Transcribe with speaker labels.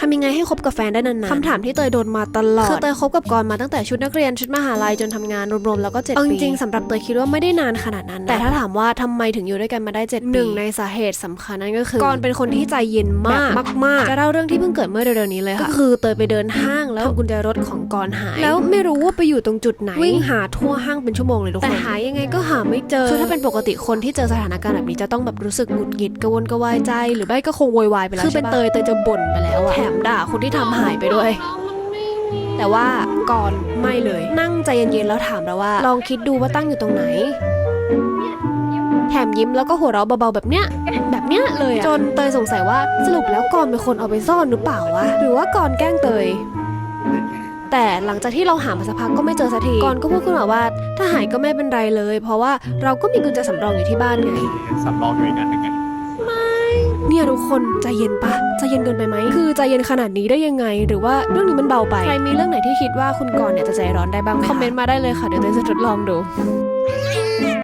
Speaker 1: ทำยังไงให้คบกับแฟนได้นานๆคำถามที่เตยโดนมาตลอดคือเตยคบกับกรมาตั้งแต่ชุดนักเรียนชุดมหาลัยจนทำงานรวมๆแล้วก็7 ปีจริงๆสำหรับเตยคิดว่าไม่ได้นานขนาดนั้นแต่ถ้าถามว่าทำไมถึงอยู่ด้วยกันมาได้7 ปีหนึ่งในสาเหตุสำคัญนั่นก็คือกรเป็นคนที่ใจเย็นมากๆจะเล่าเรื่องที่เพิ่งเกิดเมื่อเดือนนี้เลยค่ะก็คือเตยไปเดินห้างแล้วกุญแจรถของกรหายแล้วไม่รู้ว่าไปอยู่ตรงจุดไหนวิ่งหาทั่วห้างเป็นชั่วโมงเลยทุกคนแต่หายังไงก็หาไม่เจอคือถ้าเป็นปกติคนที่เจอสถานการณ์แบบนี้จะต้องแบบรู้สึกหงุดหงิดกระวนกระวายใจหรือไม่ก็คงโวยวายไปแล้วคือเป็นเตยจะบ่นไปแล้วอะแถมด่าคนที่ทำหายไปด้วยแต่ว่ากรไม่เลยนั่งใจเย็นๆแล้วถามเราว่าลองคิดดูว่าตั้งอยู่ตรงไหนแถมยิ้มแล้วก็หัวเราะเบาๆแบบเนี้ยเลยจนเตยสงสัยว่าสรุปแล้วกรเป็นคนเอาไปซ่อนหรือเปล่าวะหรือว่ากรแกล้งเตยแต่หลังจากที่เราหามาสักพักก็ไม่เจอสักทีกรก็พูดขึ้นมาว่าถ้าหายก็ไม่เป็นไรเลยเพราะว่าเราก็มีกุญแจสำรองอยู่ที่บ้านไง
Speaker 2: สำรองอยู่อีกอันหนึ่งไง
Speaker 1: เนี่ยทุกคนใจเย็นปะใจเย็นเกินไปไหมคือใจเย็นขนาดนี้ได้ยังไงหรือว่าเรื่องนี้มันเบาไปใครมีเรื่องไหนที่คิดว่าคุณกรณ์เนี่ยจะใจร้อนได้บ้างคอมเมนต์มาได้เลยค่ะเดี๋ยวเตยจะทดลองดู